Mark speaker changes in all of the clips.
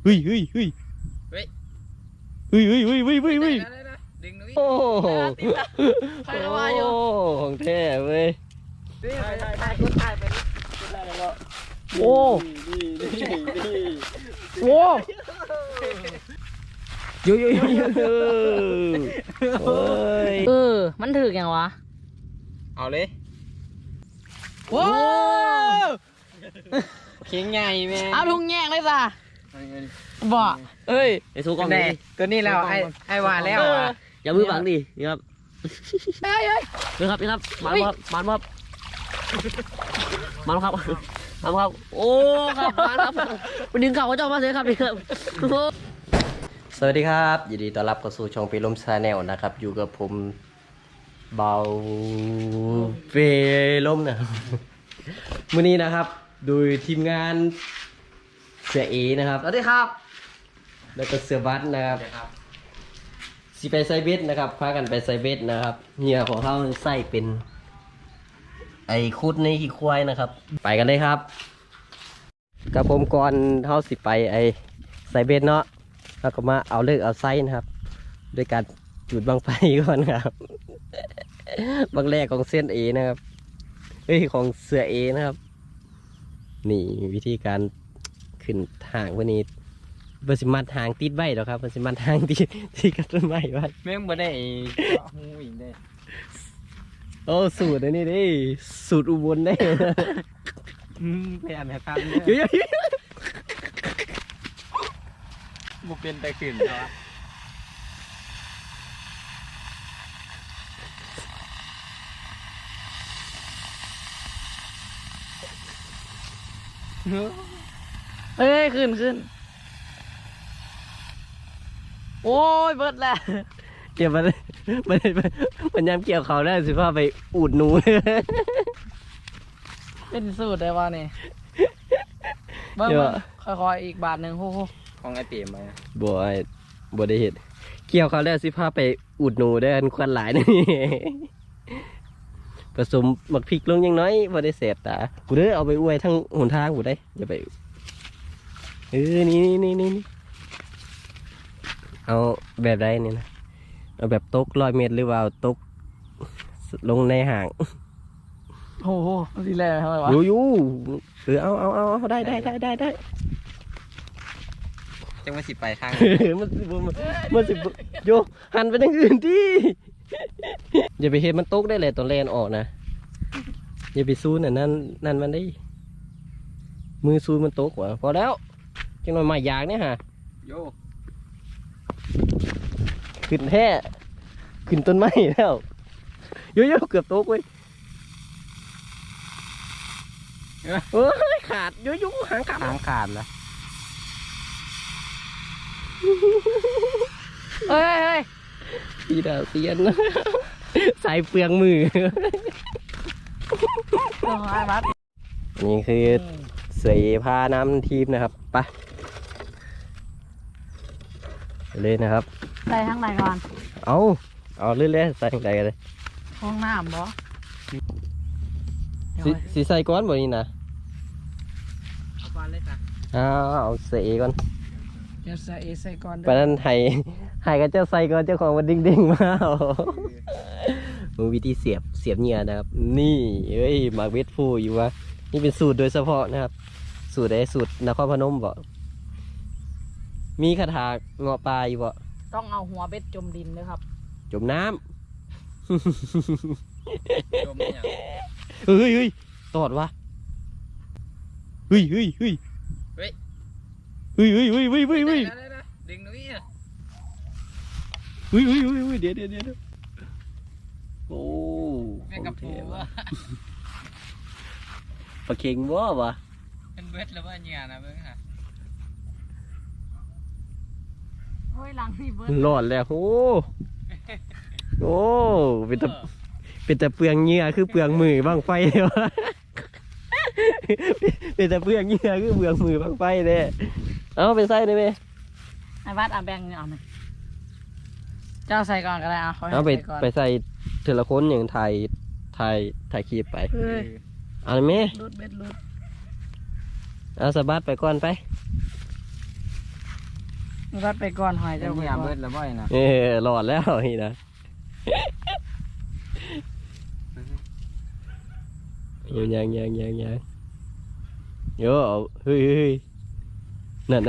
Speaker 1: ฮ้ยเฮ้ยเฮ้ยเฮ้ยเฮ้ยเฮ้ยเฮ้ยเฮ้ยเฮ้ยเฮ้ย
Speaker 2: ดึงนุ้ย
Speaker 1: โอ้โห
Speaker 3: ใครว่าอยู่
Speaker 1: ของแท้เว้ย
Speaker 3: ถ่ายคนถ่ายไปนี่
Speaker 1: โอ้โอ้ยยยโอ้ย
Speaker 3: มันถือยังวะ
Speaker 2: เอาเลย
Speaker 3: โอ้
Speaker 2: เข่งใหญ่แม่
Speaker 3: เอาลุงแย่งเลยจ้ะบ่
Speaker 1: เอ้ยไอ้สู้กล้องดิ
Speaker 2: ตัวนี้แล้วไอ้ว่าแล้วอ่ะ
Speaker 1: อย่ามือบังดินี่ครับ
Speaker 3: เฮ้ย
Speaker 1: นี่ครับนี่ครับมันครับมันครับมันครับมันครับโอ้ครับมันครับไปดึงเข่าเขาเจ้ามาเลยครับนี่ครับสวัสดีครับยินดีต้อนรับเข้าสู่ช่องปีลมชาแนลนะครับอยู่กับผมเบาเปลมนะมื้อนี้นะครับโดยทีมงานเสือเอนะครับสวัสดีครับแล้วก็เสือบัสนะครับสิไปไซเบสนะครับพากันไปไซเบสนะครับเหยื่อของเขาใส่เป็นไอ้คุดในขี้ควายนะครับไปกันเลยครับกับผมก่อนเขาสิไปไอ้ไซเบสเนาะแล้วก็มาเอาเลิกเอาไส้นะครับด้วยการจุดบังไฟก่อนครับบังแรกของเส้นเอนะครับเฮ้ยของเสือเอนะครับนี่วิธีการขึ้นทางวันนี้บริมัดหางติดไว้หรอครับบริมัดหางที่กับต้นไม้ไว้
Speaker 2: แม่งบ่ได้หูอีกได้
Speaker 1: โอ้สูตรอันนี้ดิสูตรอุบลได้
Speaker 2: พยายามให้ฟัง
Speaker 1: เยอะ
Speaker 2: บุเป็นแต่ขึ้นเนาะ
Speaker 3: เฮ้ยขึ้นโอ้ยเบิดแล้ว
Speaker 1: เกี่ยวมันยำเกี่ยวเขาได้สิพ่อไปอูดหนู
Speaker 3: เป็นสูตรได้ว่านี่เบิ้งค่อยๆอีกบาทหนึ่งโอ้โห
Speaker 2: ของไอ้เปี่ยมไป
Speaker 1: บ่ได้เห็นเกี่ยวเขาได้สิพ่อไปอูดหนูได้ควันหลายนี่ ผสมหมักพริกลงยังน้อยบ่ได้เสพตากูเด้อเอาไปอวยทั้งหนทางกูได้อย่าไปนี่เอาแบบใดนี่นะเอาแบบตก100 เมตรหรือว่าเอาตกลงในห่าง
Speaker 3: โอ้โหทีแรกทำไมวะ
Speaker 1: อยู่เอาได้
Speaker 2: จังว่าสิไปทาง
Speaker 1: มันสิโยหันไปทางอื่นที่อย่าไปเห็นมันตกได้เลยตอนแลนออกนะอย่าไปซูนนั่นมันได้มือซูนมันตกว่ะพอแล้วจังหน่อยไม้ยางเนี่ยฮะ
Speaker 2: โย
Speaker 1: ขึ้นแท้ขึ้นต้นไม้แล้วโยเกือบตกเว้ยเฮ้ยขาดโยหางขาดนะ
Speaker 3: เฮ้ย
Speaker 1: พี่ดาวเตียน ใส่เปลืองมือ
Speaker 3: ต้องไอ้บัส
Speaker 1: นี่คือเสยพาน้ำทีมนะครับไปเลยนะครับ
Speaker 3: ใส่ทั้งไหนก่อน
Speaker 1: เอาเรื่อยๆใส่ทั้งใจกันเลย
Speaker 3: ห้องน้ำบ่
Speaker 1: สีใส่ก้อนบ่นี่นะ
Speaker 2: เอาก่อนเลยจ้ะ
Speaker 1: เอาเสยก่อน
Speaker 3: จะใส่ก่อน
Speaker 1: ไปนั้นให้กันเจ้าใส่ก่อนเจ้าของมันดิ่งๆมามึงวิธีเสียบเหงื่อนะครับนี่เอ้ยหมากเวทฟูอยู่วะนี่เป็นสูตรโดยเฉพาะนะครับสูตรสูตรนครพนมบ่มีคาถาเงาะปลาอยู่บ่
Speaker 3: ต้องเอาหัวเบ็ดจมดินด้วยครับ
Speaker 1: จมน้
Speaker 2: จมเนี่ย
Speaker 1: ำ เฮ้ยตอดวะเฮ้ยดึงนุ้ยอ่ะเดี๋ยวโอ้
Speaker 2: แม่งกับปูว่ะ
Speaker 1: ปลาเค็งวะ
Speaker 2: เป็นเวทแล้วว่าเนี่ยนะเบิ่งค่ะ
Speaker 3: เฮ้ยหลังนี่เบิด
Speaker 1: รอดแล้วโอ้เป็นแต่เปลืองเหงื่อคือเปลืองมือบ้างไฟเลยวะ เป็นแต่เปลืองเหงื่อคือเปลืองมือบ้างไฟเลยเอาเป็นไส้ได้ไหม
Speaker 3: ไอ้บัสแบ่งเอาหน่อยเจ้าใส่ก่อนก็ได้
Speaker 1: เอาไป
Speaker 3: ใส่ก่อน
Speaker 1: ใส่เทละคนอย่างถ่ายคลิปไป
Speaker 3: เฮ้ย
Speaker 1: เอาเลยไหม
Speaker 3: รุดเบ็ดรุด
Speaker 1: เอาสะบัดไปก่อนไป
Speaker 3: รัดไปก่อนหอย
Speaker 2: จะ
Speaker 3: เจ้า
Speaker 2: เห
Speaker 3: ไป
Speaker 2: ยีย
Speaker 3: ก่
Speaker 2: บ
Speaker 3: อ
Speaker 2: เบิ
Speaker 3: น
Speaker 2: ดแล้วบ่อยนะ
Speaker 1: หลอดแล้วนี่นะยังโย่เฮ้ยนั่น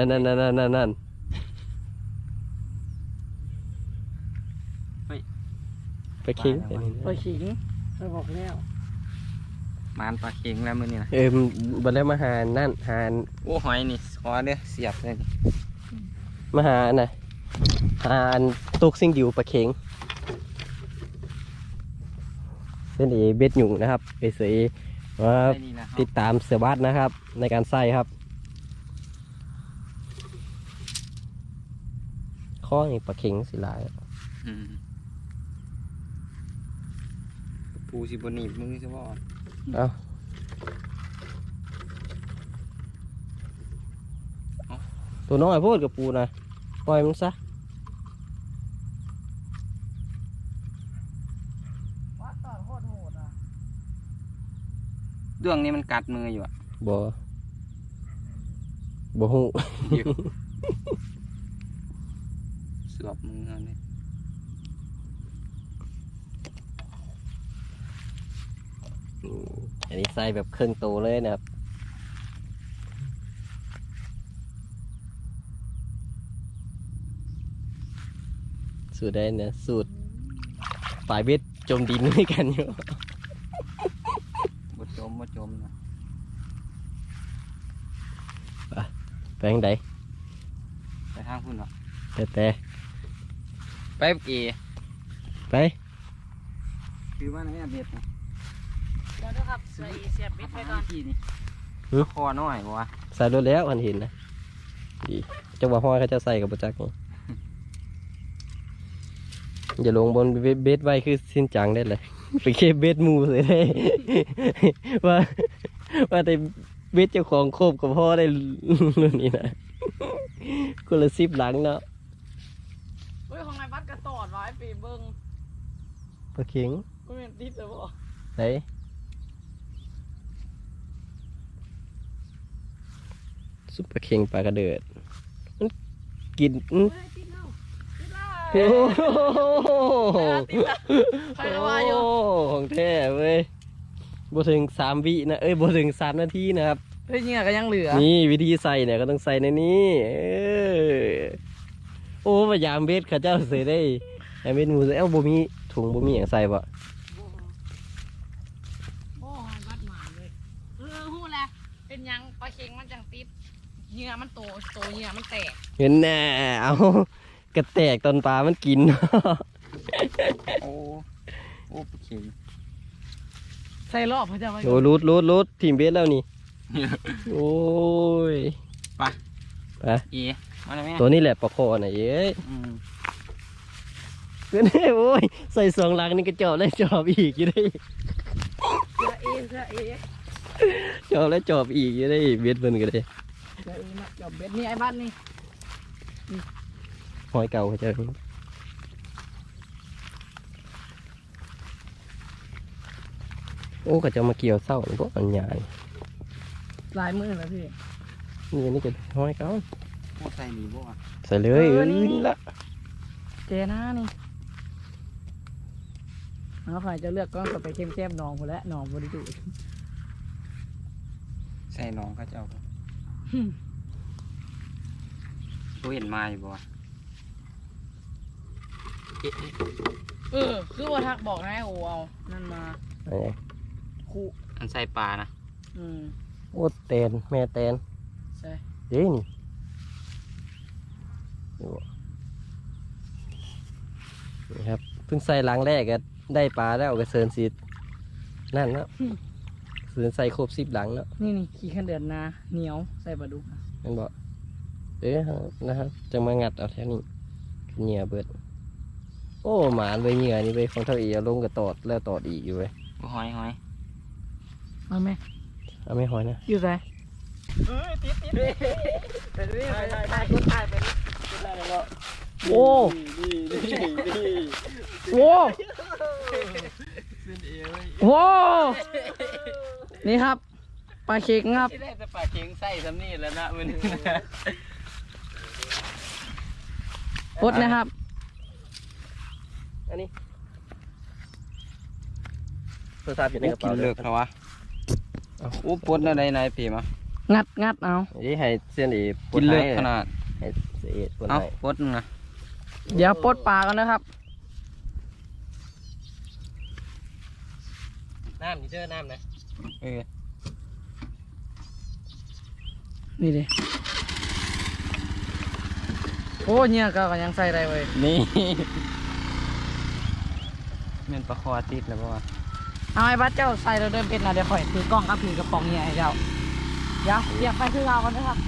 Speaker 1: ไปคิง
Speaker 3: ไปขิงไปบอกแล้ว
Speaker 2: มานปลาเค็งแล้วมื้อนี้นะ
Speaker 1: บันแล้วมาหานั่นหา
Speaker 2: โอ้หอยนี่ขอเด้อเสียบเลย
Speaker 1: มาหาน่ะหาตุกซิ่งดิวปลาเข็งเส้นเอเบ็ดหยุ่งนะครับไปเสยว่า
Speaker 2: ได้นี่นะ
Speaker 1: ติดตามเสือบัดนะครับ ในการใส่ครับข้อนี่ปลาเข็งสิหลาย
Speaker 2: ปูสิบหนีบมือใช่ป่ะ
Speaker 1: เอาตัวน้อยโพูดกับปูนะปล่อยมันซะ
Speaker 3: วัดตอนโคตรโหดอ่ะ
Speaker 2: ดวงนี้มันกัดมืออยู่อ่ะ
Speaker 1: บ่หู
Speaker 2: สวบมือเขาเนี่ย
Speaker 1: อันนี้ใส่แบบครึ่งตัวเลยนะครับสูตรได้เนี่ยสูตรปลายเบ็ดจมดินด้วยกันอยู่
Speaker 2: บ่จมนะ
Speaker 1: ไปทางใด
Speaker 2: ไปทางพุ่นเหรอ
Speaker 1: แต่
Speaker 2: ไปเก๋
Speaker 1: ไป
Speaker 2: คือว่าไหนอะเบ็ดนะ
Speaker 3: เดี๋ยวนะครับใส่เสียบบิดไปก่อน
Speaker 2: ที่นี่คอน้อยบ่วะ
Speaker 1: ใส่รถแล้วมันเห็นนะดีจังหวะห้อยเขาจะใส่กับประจักษ์นี่อย่าลงบนเบ็ดไว้คือสิ้นจังได้เลย ไปเคบเบ็ดหมูเลยได้ ว่าแต่เบ็ดเจ้าของโคบกับพ่อได้รุ่นนี้นะคนละ10หลังเนาะ
Speaker 3: เฮ้ยของนายวัดกระตอดไว้ปีเบิ้ง
Speaker 1: ปลาเข็ง
Speaker 3: ก็เป็นติดเลยบ่
Speaker 1: ไหนซุปปลาเข็งปลากระเดิดมันกิน
Speaker 3: เฮ้ยติดแล้วติดแล้ว
Speaker 1: โอ้โห
Speaker 3: ใครว่าอยู่
Speaker 1: ของแท้เว้ยบ่ถึง3 วินะบ่ถึง3 นาทีนะครับ
Speaker 3: เฮ้ยเนี่ยก็ยังเหลือ
Speaker 1: นี่วิธีใส่เนี่ยก็ต้องใส่ในนี้โอ้พยายามเบ็ดข้าเจ้าเสียได้ไอ้เบ็ดหมูเอ้าบ่มีถุงบ่มีอย่างใส่บ่
Speaker 3: โอ้ยวัดหมาเลยหู้แหละเป็นยังปลาเค็งมันจังติดเหยื่อมันโตเหยื่อมันแตก
Speaker 1: เห็นแน่เอากระแตกตอนปลามันกิน
Speaker 2: โอ้ปลาเค็ง
Speaker 3: ใส่รอบเขาจะไว้
Speaker 1: โอ้รูดทีมเบ็ดแล้วนี่ โอ้ย
Speaker 2: ไป
Speaker 1: ไป
Speaker 2: เอ๋มาเลยแม่
Speaker 1: ตัวนี้แหละปลาคอน่ะเอ้ยเพื่อนโอ้ยใส่2 หลังนี่ก็จอบแล้วจอบอีกอยู่ได้
Speaker 3: เสื้อเอ
Speaker 1: จอบแล้วจอบอีกอยู่ได้เบ็ดเพิ่นก็ได้
Speaker 3: เสื้อเอมาจับเบ็ดนี่ไอ้บ้านนี่
Speaker 1: หอยเก่าเขาเจ้าโอ้ก็จะมาเกี่ยวเศร้าพวกอันใหญ่
Speaker 3: ลายมือแล้วพี่
Speaker 1: นี่ก็หอยเก่า
Speaker 2: พวกใส่หนีบ่วะ
Speaker 1: ใส่เลยนี่ละ
Speaker 3: เจน่านี่เอาใครจะเลือกก้อนก็ไปเข้มแคบหนองหมดแล้วหนองบริจุ
Speaker 2: ใส่น้องเขาจะเอาตัวเห็นมาอยู่บ่วะ
Speaker 3: คือว่าทักบอกให้โอเอานั่นมา
Speaker 1: อะไร
Speaker 3: คู่
Speaker 2: อันใส่ปลานะ
Speaker 1: โอ้แตนแม่แตน
Speaker 3: ใช่
Speaker 1: เด้นี่นี่ครับเพิ่งใส่หลังแรกก็ได้ปลาแล้วก็เซินสีนั่นแล้วเซินใส่ครบ10 หลังแล้ว
Speaker 3: นี่ขี้ขันเดือนนาเหนียวใส่ปลาดุก
Speaker 1: นั่นบอกนะครับจะมางัดเอาแค่นี้เหงื่อเบิดโอ้หมาเลยเหงื่อนี่ไปของเท่าอีเอาลงกับตอดแล้วตอดอีกอยู่เว้ย
Speaker 2: หอย
Speaker 3: เอาไหม
Speaker 1: เอาไม่หอยนะ
Speaker 3: อยู่ไหน โอ้โหโอ้นี่ครับปลาเค็งครับ
Speaker 2: ที่แรกจะปลาเค็งใส่ซ้ำนี่แล้วนะมัน
Speaker 3: ปลดนะครับ
Speaker 1: อันนี้โทรศัพท์อยู่ในกระ
Speaker 2: กิ
Speaker 1: เป๋าน
Speaker 2: เลิกแล้ววะโอ้ปวดอะไรนายเปีมา
Speaker 3: งัดเอา
Speaker 1: นี่ให้เส้นอี
Speaker 2: กินเลิกขนาด
Speaker 1: ให้เสียปวด
Speaker 2: เอา
Speaker 1: ให้
Speaker 2: ปวดนะ
Speaker 3: เดี๋ยวปลดปลากันนะครับ
Speaker 1: น้ำนี่เด้อน้ำนะ
Speaker 2: เออ
Speaker 3: นี่ดิโอ้เนี่ยก็ยังใส่ได้เว้ย
Speaker 2: นี่แม่นปลาคอติดแล้วป่ะ
Speaker 3: เอาไอ้บัสเจ้าใส่เราเดินเป็นนะเดี๋ยวข่อยถือกล้องกับถือกระป๋องเนี่ยให้เจ้าเดี๋ยวเรียกไปคือเรากันนะครับ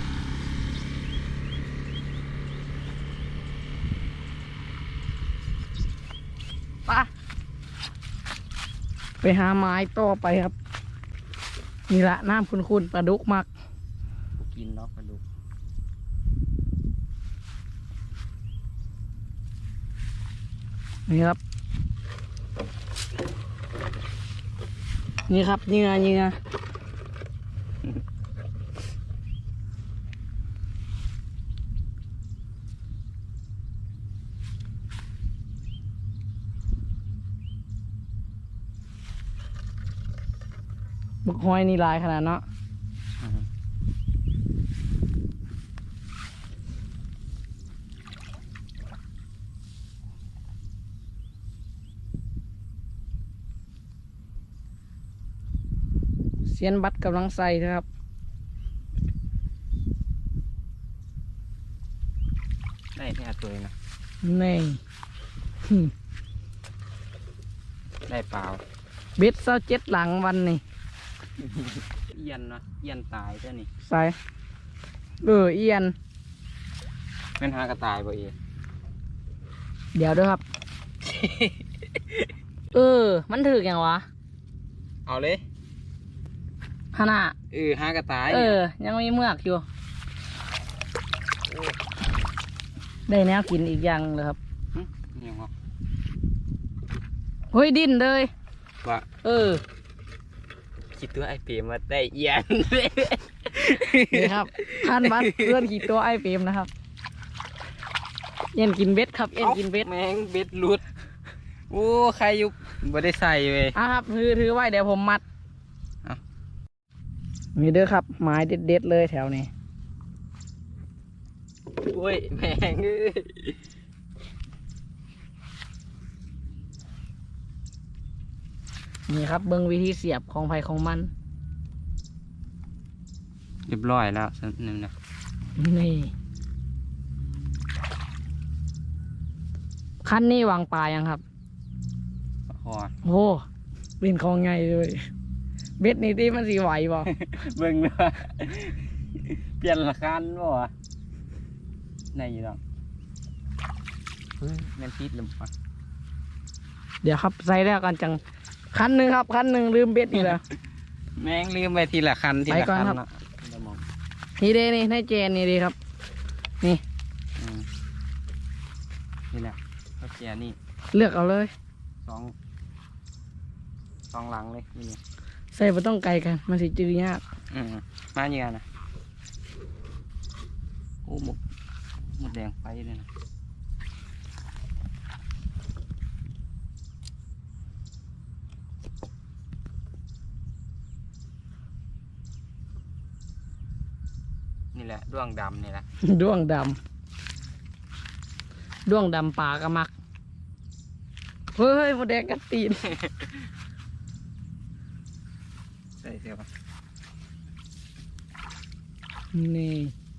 Speaker 3: ไปหาไม้ต่อไปครับ นี่ละน้ำคุณปลาดุกมัก
Speaker 2: กินเนาะปลาดุก
Speaker 3: นี่ครับ นี่ครับนี่ไงนี่ไงบึกหอยนี่ลายขนาดเนาะเซียนบัตรกำลังใส่นะครับ
Speaker 2: ได้แค่ตัวเองนะ
Speaker 3: นี่
Speaker 2: ได้เปล่า
Speaker 3: เบ็ดเศร้าเจ็ดหลังวันนี่
Speaker 2: เอียนเนาะเอียนตายเจ้านี่
Speaker 3: ใส่เอียน
Speaker 2: แม่นหากระต่ายบ่เอง
Speaker 3: เดี๋ยวด้วยครับ มันถืออย่างวะ
Speaker 2: เอาเลย
Speaker 3: ฮานา
Speaker 2: หากระต่าย
Speaker 3: ยังมีเมือกอยู่ ได้แนวกินอีกอย่างเลยครับ
Speaker 2: ยังเหรอ
Speaker 3: เฮ้ยดิ้นเลย
Speaker 2: ว่า คิดตัวไอเปรมมาได้เอียน
Speaker 3: นี่ครับท่านบัสเพื่อนขี่ตัวไอเฟรมนะครับ เอ็นกินเบ็ดครับ เอ็นกินเบ็ด
Speaker 2: แมงเบ็ดหลุด โอ้ใครยุบบ่ได้ใส่เว้ย
Speaker 3: ครับถือไว้เดี๋ยวผมมัด
Speaker 2: เอา
Speaker 3: นี่เด้อครับไม้เด็ดๆเลยแถวนี้
Speaker 2: โอ้ยแมงเอ้ย
Speaker 3: นี่ครับเบิ้งวิธีเสียบของไผ่ของมัน
Speaker 2: เรียบร้อยแล้วสักหนึ่งนะ
Speaker 3: นี่คันนี้วางปลายังครับ
Speaker 2: พอ
Speaker 3: โอ้เป็นของไงเลยเบ็ดนี่ที่มันสีไหวบ่
Speaker 2: เบิ่งเลยว่าเปลี่ยนละคันบ่วะไหนอยู่ดอกเฮ้ยแม่นติดลมปะ
Speaker 3: เดี๋ยวครับใส่แล้วกันจังคันหนึ่งครับคันหนึ่งลืมเบ็ดนี่แหละ
Speaker 2: แม่งลืมไปทีละคันที
Speaker 3: ไป
Speaker 2: ละ
Speaker 3: ก่อน
Speaker 2: คัน
Speaker 3: ครับ
Speaker 2: เนาะเดี๋ยวมอง
Speaker 3: นี่เด้นี่ในเจนนี่ดีครับ นี่
Speaker 2: อืมนี่แหละเขาแกนี่
Speaker 3: เลือกเอาเลย
Speaker 2: สองหลังเลยนี่
Speaker 3: ใส่ไม่ต้องไกลกันมันสิจืดยาก
Speaker 2: มาเยอะนะโอ้หมดแดงไปเลยนะนี่แหละด้วงดำนี่แหละ
Speaker 3: ด้วงดำปลากระมักเฮ้ยหมดแดงกัดตีน
Speaker 2: ใส่เสื้อปะ
Speaker 3: นี่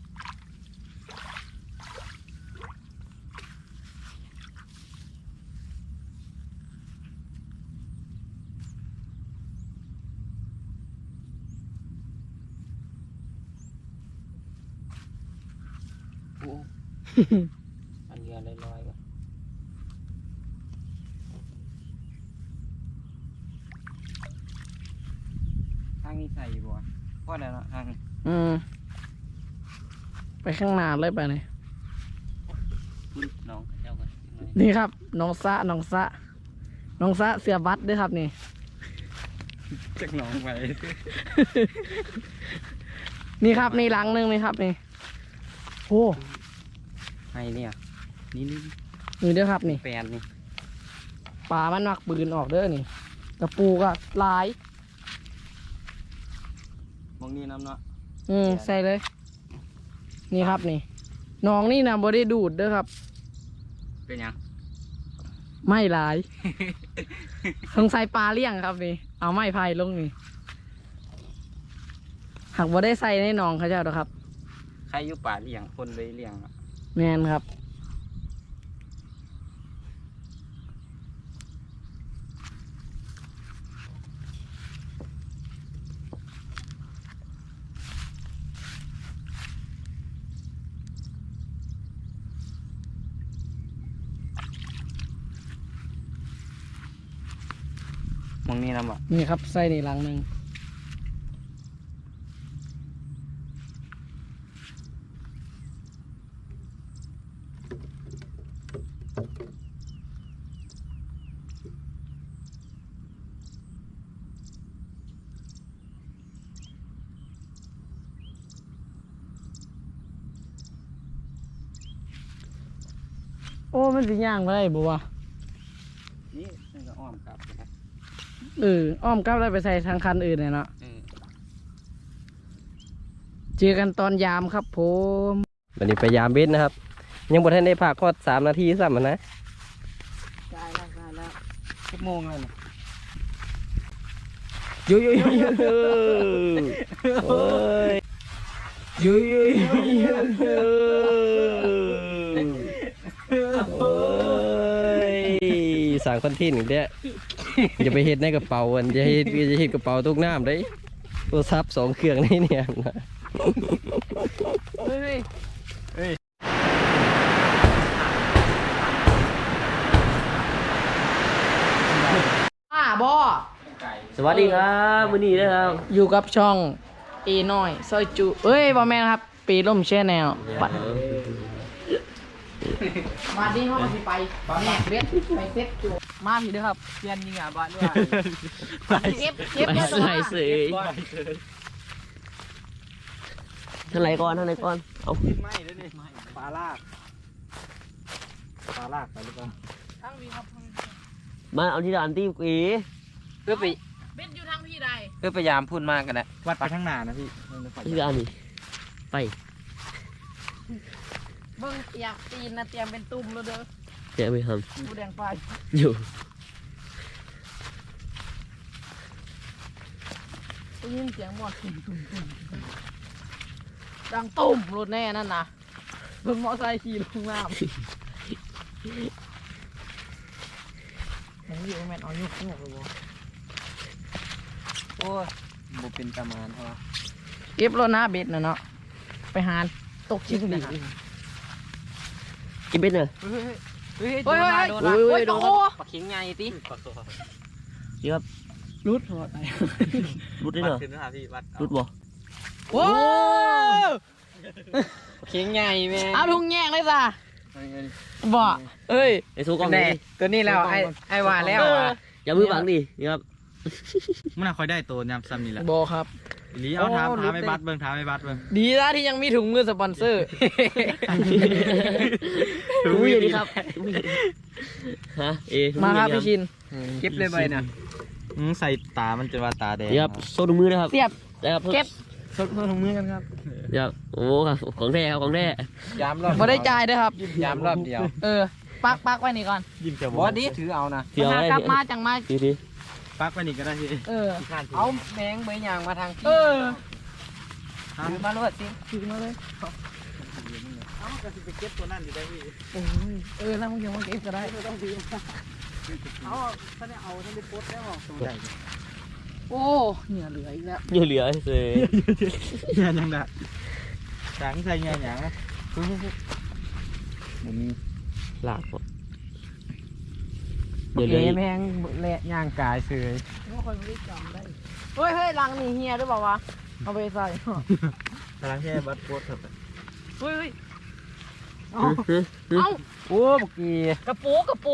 Speaker 2: โอ้อันเรือลอยๆก่อนทางนี้ใส่อยู่บ่พอแล้วเนาะทางนี้
Speaker 3: ไปข้างหน้าเลยไปเลย
Speaker 2: คุณน้องเจ้ากัน
Speaker 3: นี่ครับน้องซะเสือบัตรด้วยครับนี่
Speaker 2: จักน้องไป
Speaker 3: นี่ครับนี่หลังหนึงนี่ครับนี่โอ้
Speaker 2: ให้เนี่ยนี่
Speaker 3: นี่เด้อครับนี่
Speaker 2: แปนนี่
Speaker 3: ปลามันมักปืนออกเด้อนี่กระปูก็หลาย
Speaker 2: มองนี่น้ำเนาะ
Speaker 3: ใส่เลย นี่ครับนี่น้องนี่นะบ่ได้ดูดเด้อครับ
Speaker 2: เป็นยัง
Speaker 3: ไม่หลาย สงสัยปลาเลี้ยงครับนี่เอาไม้พายลงนี่หากบ่ได้ใส่ในหนองเขาเจ้าดอกครับ
Speaker 2: ใครอยู่ป่าเลี้ยงคนเลยเลี้ยงอะ
Speaker 3: แมนครับ
Speaker 2: มองนี่น้ำอ่ะ
Speaker 3: นี่ครับใส่นี่หลังหนึ่ง โอ้มันสิย่างไปได้บ่วะ
Speaker 2: นี่มันก็อ้อมกลับนะ
Speaker 3: อ้อมกลับแล้วไปใส่ทางคันอื่นเลยเนาะเจอกันตอนยามครับผม
Speaker 1: วันนี้ไปยามเบ็ดนะครับ ยังบ่ทันได้พักก็3 นาทีซ้ำนะ
Speaker 3: ได้แล้ว
Speaker 2: ชั่วโมงเลยนะ
Speaker 1: ยุยยุยยุยโอ้ยยุยยุยยุยโอ้ยสั่งคอนเทนต์อีกแล้วอย่าไปเฮ็ดในกระเป๋าอันจะเฮ็ดกระเป๋าตกน้ำได้โทรศัพท์2 เครื่องนี่เนี่ย
Speaker 3: เฮ้ยบ่
Speaker 1: สวัสดีครับมื้อนี้นะครับ
Speaker 3: อยู่กับช่องเอน้อยซอยจุบ่แม่นครับปีล่มแช่แนวบัดมาดิเขาก็สิไปแม่เบ็ดไปเซ็ตจุมาพี่เด้อครับเปลี่ยนยิงอ่ะบ้านด้วยเก็บ
Speaker 1: ไป
Speaker 3: เลย
Speaker 1: ใส่เสยทางไหนก่อนเอา
Speaker 2: ไม่เลยนี่ปลาลากไปหรือเปล่า
Speaker 3: ทั้งพี่ครับ
Speaker 1: มาเอาที่ร้านตีกี
Speaker 2: เพื่อไป
Speaker 3: เบ็ดอยู่ทางพี่ใด
Speaker 2: เพื่อพยายามพูดมากกันนะวัดไปข้างหน้านะพี่
Speaker 1: ที่ร้านนี่ไป
Speaker 3: เบิ่งเตรียมตีนนะเตรียมเป็นตุ่มแล้วเด้อ
Speaker 1: เดี๋ยวไปท
Speaker 3: ผู้แดงไฟ
Speaker 1: ำอยู่
Speaker 3: ได้ยินเสียงหมอดตุ่มดังตุ่มรถแน่นั่นนะรถมอไซค์ขี่ลงน้ำมันอยู่แม่นเอายุกงอกเลยบ่
Speaker 2: โอ้ยบุเป็นประมาณเพราะ
Speaker 3: เก็บรถหน้าเบ็ดน่ะเนาะไปหาตกชิ้นดี
Speaker 1: กินเป็นเหรอ
Speaker 2: เฮ้ย
Speaker 3: โอ้ย
Speaker 2: โดน
Speaker 3: โอ้
Speaker 2: มาย
Speaker 3: โอ้ย
Speaker 2: ปลาเข็งไงติ
Speaker 1: เดี๋ยวครับ
Speaker 3: รุดหัวไต
Speaker 1: รุดได้เหรอรุดบ่
Speaker 3: โอ้
Speaker 2: ปลาเข็งไงแม่
Speaker 3: เอาทุ่งแยกเลยจ้ะบ่เอ้ย
Speaker 1: ไอ้สู้กล้อง
Speaker 2: แน่
Speaker 1: นี่
Speaker 2: ตัวนี้แล้วไอ้ว่าแล้วอ่ะ
Speaker 1: อย่ามือบังดินี่ครับ
Speaker 4: มันน่าค่อยได้ตัวยำซ้ำนี่แหละ
Speaker 3: บ่ครับ
Speaker 4: อีหลีเอาถามไม่บัดเบิ่งถามไม่บัดเบิ่ง
Speaker 3: ดีนะที่ยังมีถุงมือสปอนเซอร์
Speaker 1: รู้อย่างนี้ครับฮะถุง
Speaker 3: มาครับ
Speaker 1: อ
Speaker 3: พี่ชิน
Speaker 2: เก็บเลยใบน่ะ
Speaker 4: ใส่ตามันจะว่าตาแดง
Speaker 1: นี่ครับโซ่ถุงมือนะครับ
Speaker 3: เสียบ
Speaker 1: ได้ครับ
Speaker 3: เก็บ
Speaker 2: สดถุงมือกันครับ
Speaker 1: เดี๋ยวโอ้ครับของแท้ครับของแท้
Speaker 2: ยามรอบ
Speaker 3: บ่ได้จ่ายเด้อครับ
Speaker 2: ยามรอบเดียว
Speaker 3: ปักไว้นี่ก่อน
Speaker 4: ยิ้มจะ
Speaker 2: บอดีถือเอานะ
Speaker 1: เที่ยว
Speaker 3: หา
Speaker 1: ได้
Speaker 3: กลับมาจังมา
Speaker 1: ที
Speaker 4: ปักไปนี่ก็ได้พี่
Speaker 2: เอาแมงใบยางมาทาง
Speaker 3: เออ
Speaker 2: ถือมาลวดสิ
Speaker 3: ถือมาเลย
Speaker 4: เอาก็สิไปเก็บตัวนั่นอยู่ได้พี่
Speaker 3: โอ้ยแล้วมึงยังมาเก็บก็ได้
Speaker 2: เอาถ้าได้เอาถ้าได้ปดแล้ว
Speaker 3: โอ้เนี่ยเหลืออีกแล้ว
Speaker 1: เหลือเสย
Speaker 4: งานยังได้จังใส่งานหยังนะมันมี
Speaker 1: หลากหมด
Speaker 2: เดี๋
Speaker 1: เดี๋ยว ว
Speaker 2: ยเล
Speaker 1: เลย ย
Speaker 2: แมงแหละย่างกายเสย
Speaker 3: ไม่ค่อยไม่ได้จำได้เฮ้ยลังนี่เฮียหรือเปล่าวะเอาไปใส่
Speaker 4: กำลังแค่บัดโพสเถอะ
Speaker 3: เฮ้ย
Speaker 2: เอ้าโอ้บุกี้
Speaker 3: กระปู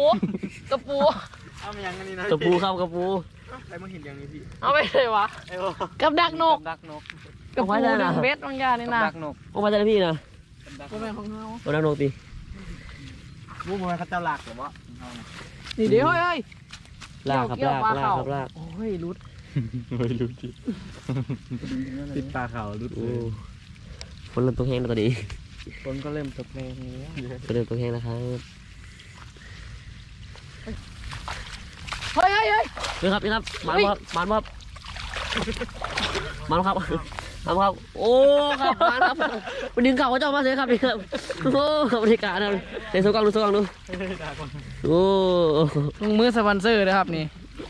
Speaker 4: เอามายังกันนี่นะ
Speaker 1: กระปูครับกระปู
Speaker 4: ใครมาเห็นอย่างนี้พี่
Speaker 3: เอาไปเลยวะกับดักนก
Speaker 2: ดักนก
Speaker 3: กระปูดึงเบ็ดบางอย่างนี่นะ
Speaker 2: ดักนก
Speaker 1: ออกมาจากพี่นะ
Speaker 3: ตัวแม่ของเฮา
Speaker 1: โอ้นักโนตี
Speaker 4: รู้ไหมเขาเจ้าหลักหรือวะ
Speaker 3: นี่เดี๋ยวเฮ้ย
Speaker 1: ลากครับ
Speaker 3: เกี่ยว
Speaker 1: ลาก
Speaker 3: ปลา
Speaker 1: ลาก
Speaker 3: เข่า
Speaker 1: ครับลาก
Speaker 3: โอ้ยรุด
Speaker 4: ไม่รู้ดิติดปลาเขารุด
Speaker 1: โอ้ฝนเริ่มตกแห้งแล้วตอนนี้
Speaker 4: ฝนก็เริ่มตกแรงแล้ว
Speaker 1: ฝนเริ่มตกแห้งแล้วครับ
Speaker 3: เฮ้ยเฮ้ยเฮ้ย
Speaker 1: นี่ครับนี่ครับมันครับมันครับมันครับมันครับโอ้ครับมันครับวันดึงเข่าเขาเจ้ามาเลยครับนี่ครับโอ้บรรยากาศนะเดี๋ยวโซกังดูโซกังดูโอ้
Speaker 3: มือสปอนเซอร์นะครับนี่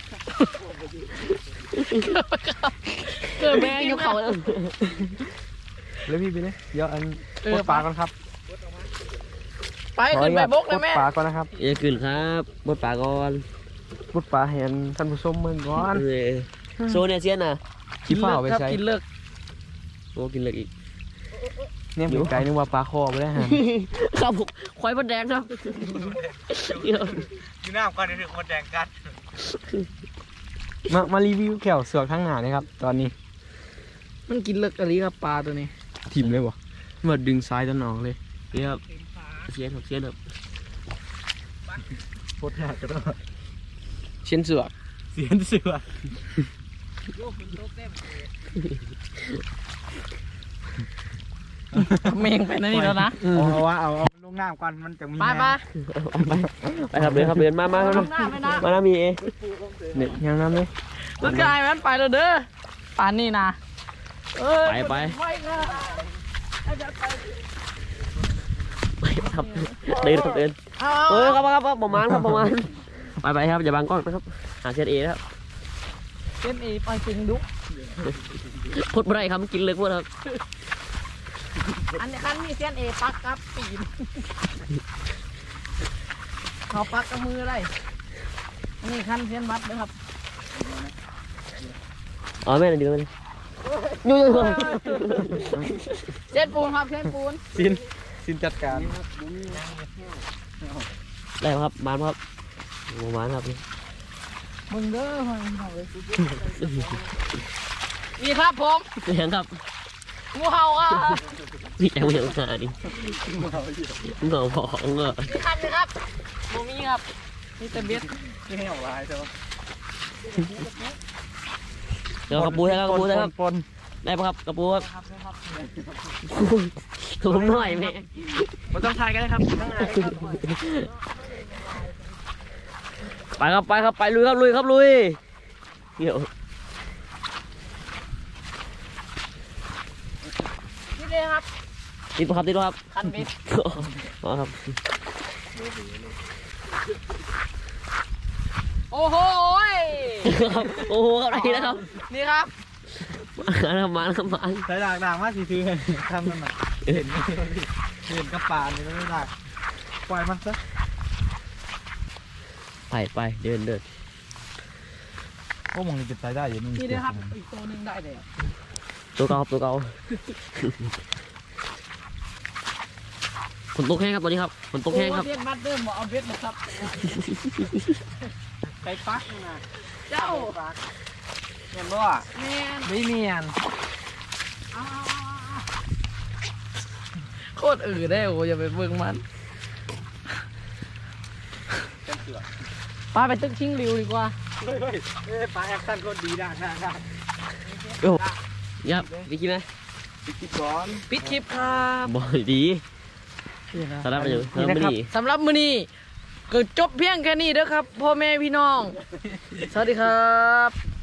Speaker 3: เกิดแม่งยกเขาแล้ว
Speaker 4: แล้วพี่ไปเลยเดี๋ยวอันปลดปลาก่อนครับ
Speaker 3: ไปขึ้นไปบกเลยแม่
Speaker 4: ปลดปลาก่อนนะครับ
Speaker 1: เอ้ยขึ้นครับบดปากก่อน
Speaker 4: ปลดปลาเห็นท่านผู้ชมเมืองก่อน
Speaker 1: เออโซเนี่ยเซียนน่ะ
Speaker 4: ขี้เฝ้าไป
Speaker 3: ครับ
Speaker 4: ใช้
Speaker 3: กินเลิก
Speaker 1: โอ้กินเลยอีก
Speaker 4: เนี่ยมีไก่นึกว่าปลาคอไปแล้วฮะ
Speaker 1: ครับผมควายบดแดงครับ
Speaker 4: อยู่หน้าก่อนถึงคนแดงกัดมารีวิวแขวเสือกทั้งหนาเลยครับตอนนี้
Speaker 3: มันกินเลิกอะไรครับปลาตัวนี้
Speaker 4: ทิมเลยวะมาดึงซ้ายตะนองเลย
Speaker 1: นี่ครับเซียนครับเซียนครับ
Speaker 4: โคตรหนักก็ต้อง
Speaker 3: เช่นเสือก
Speaker 4: เสียนเสือก
Speaker 3: เมงไปนั่นนี่แล้วนะ
Speaker 4: เอาว่าเอาลงน้ำก่อนมันจะมี
Speaker 3: ไปไป
Speaker 1: ไปครับเดินครับเดินมาครับ
Speaker 3: ลงหน้าไม่นะ
Speaker 1: มาแล้วมีเอ
Speaker 4: เนี่ยยังน้ำเลย
Speaker 3: รถกายมันไปแล้วเด้อปานนี่นะเอ้ย
Speaker 1: ไป
Speaker 3: ไปค่ะ
Speaker 1: ไปครับเดินครับเดิน
Speaker 3: เอา
Speaker 1: เออครับประมาณครับประมาณไปครับอย่าบังกล้องนะครับหาเซียนเอนะครับ
Speaker 3: เป็นอีไปจริงดุ
Speaker 1: พูดไม่ได้ครับกินเลยพูดครับ
Speaker 3: อันนี้คันมีเส้นเอปักครับปีนเขาปักกับมืออะไรอันนี้คันเส้นบัดนะครับ
Speaker 1: อ๋อแม่ดึงมาเลยยู
Speaker 3: เส้นปูนครับเส้นปูน
Speaker 4: สินจัดการ
Speaker 1: ได้ครับมานครับโอ้มานครับ
Speaker 3: มึงเด้อนี่ครับผม
Speaker 1: เสียงครับ
Speaker 3: งูเห่าอ่ะ
Speaker 1: นี่แอลเหี่ยวหน้าดิเงาผองอ่ะ
Speaker 3: นี่คันนะครับโมมี่ครับนี่แต่เบ็ด
Speaker 4: ที่ให้ออกลายใช่ไหม
Speaker 1: เดี๋ยวกระปูได้ครับกระปูได้ครับ
Speaker 4: ปน
Speaker 1: ได้ปะครับกระปูครับผมหน่อยแม่
Speaker 4: มันต้องทายกันนะครับต้องทายกันครับ
Speaker 1: ไปลุยครับลุยเดี๋ยว
Speaker 3: นี่เลยครับ
Speaker 1: ติดปะครับ
Speaker 3: คันเบ็ด
Speaker 1: อ๋อครับ
Speaker 3: โอ้โหย
Speaker 1: ครับโอ้โหอะไรนะครับ
Speaker 3: นี่ครับ
Speaker 1: มาแล้วมา
Speaker 4: ใส่ด่างมากสิซื้อทำมันหน่อยเห็นกระปานนี่ไม่ได้ปล่อยมันซะ
Speaker 1: ไปเดิน
Speaker 4: ก็มองนี่จะใส่ได้อยู่
Speaker 3: นี่เลยครับอีกตัวหนึงได้เลย
Speaker 1: ตัวเก่าฝนตกแห้งครับตอนนี้ครับฝนตกแห้งครับ
Speaker 3: เบ็ดมัดเดิมบอกเอาเบ็ดนะครับไปปักนะเจ้า
Speaker 4: เห็นบ่
Speaker 3: แมน
Speaker 4: ไม่เนียน
Speaker 3: โคตรได้โอ้อย่าไปเบิ่งมันปลาไปตึกชิงริวดีกว่า
Speaker 4: เฮ้ยปลาแอคชั่นก็ดีได้
Speaker 1: โอ้ยับไปกินไหม
Speaker 4: คิดก่อน
Speaker 3: ปิดคลิปครับ
Speaker 1: บ่อยดีสำหรับอยู่สำหรับมื้อนี้
Speaker 3: สำหรับมื้อนี้ก็จบเพียงแค่นี้เด้อครับพ่อแม่พี่น้อง สวัสดีครับ